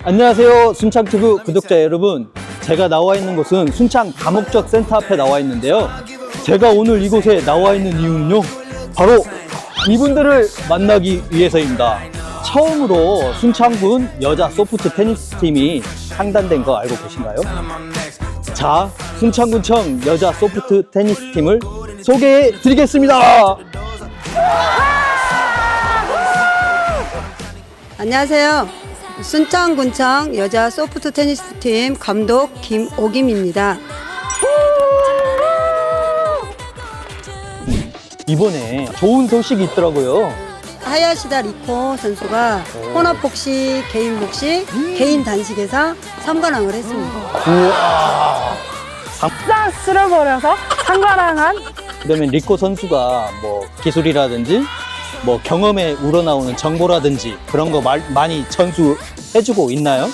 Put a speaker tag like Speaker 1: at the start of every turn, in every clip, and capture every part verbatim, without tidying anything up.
Speaker 1: 안녕하세요, 순창튜브 구독자 여러분. 제가 나와 있는 곳은 순창 다목적 센터 앞에 나와 있는데요. 제가 오늘 이곳에 나와 있는 이유는요, 바로 이분들을 만나기 위해서입니다. 처음으로 순창군 여자 소프트 테니스 팀이 창단된 거 알고 계신가요? 자, 순창군청 여자 소프트 테니스 팀을 소개해 드리겠습니다.
Speaker 2: 안녕하세요. 순창군청 여자 소프트 테니스 팀 감독 김오김입니다.
Speaker 1: 이번에 좋은 소식이 있더라고요.
Speaker 2: 하야시다 리코 선수가 혼합복식, 개인 복식, 개인 단식에서 삼 관왕을 했습니다.
Speaker 1: 우와.
Speaker 3: 싹 쓸어버려서 상관왕한.
Speaker 1: 그러면 리코 선수가 뭐 기술이라든지 뭐 경험에 우러나오는 정보라든지 그런 거 말, 많이 전수해주고 있나요?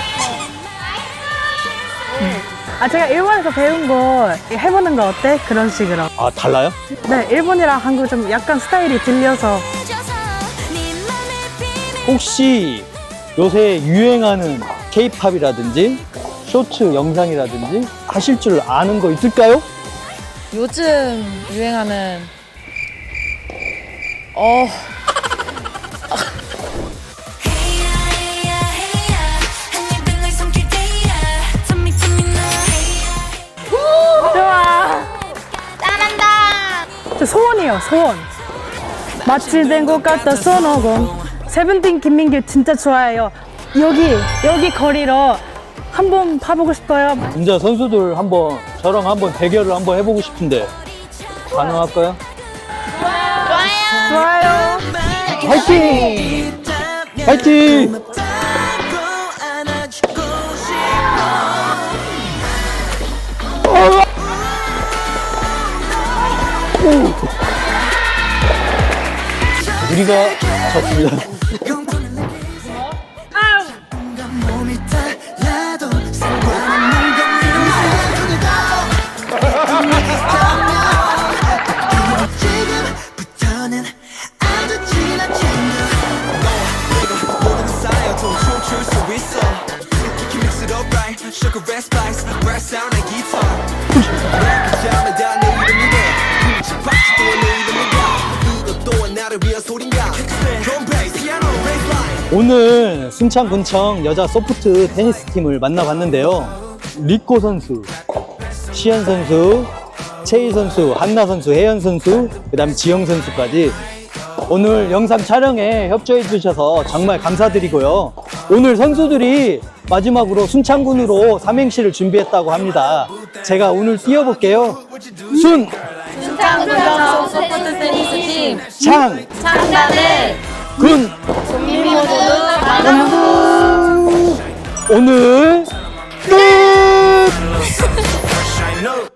Speaker 3: 아, 제가 일본에서 배운 거 해보는 거 어때? 그런 식으로.
Speaker 1: 아, 달라요?
Speaker 3: 네, 일본이랑 한국 좀 약간 스타일이 들려서.
Speaker 1: 혹시 요새 유행하는 케이팝이라든지 쇼츠 영상이라든지 하실 줄 아는 거 있을까요?
Speaker 4: 요즘 유행하는 어
Speaker 3: 좋아. 잘한다. 저 소원이요, 소원. 마치 된 것 같다 손오공. 세븐틴 김민규 진짜 좋아해요. 여기 여기 거리로 한번 봐보고 싶어요.
Speaker 1: 진짜 선수들 한번 저랑 한번 대결을 한번 해보고 싶은데 가능할까요?
Speaker 3: 좋아요.
Speaker 1: 화이팅! 화이팅! 우리가 졌습니다. 오늘 순창군청 여자 소프트 테니스 팀을 만나봤는데요. 리코 선수, 시현 선수, 채희 선수, 한나 선수, 혜연 선수, 그 다음 지영 선수까지 오늘 영상 촬영에 협조해 주셔서 정말 감사드리고요. 오늘 선수들이 마지막으로 순창군으로 삼행시를 준비했다고 합니다. 제가 오늘 띄워볼게요. 순!
Speaker 4: 순창군청 소프트 테니스 팀
Speaker 1: 창!
Speaker 4: 창단을
Speaker 1: 군!
Speaker 4: 국민 모두 환영합니다.
Speaker 1: 오늘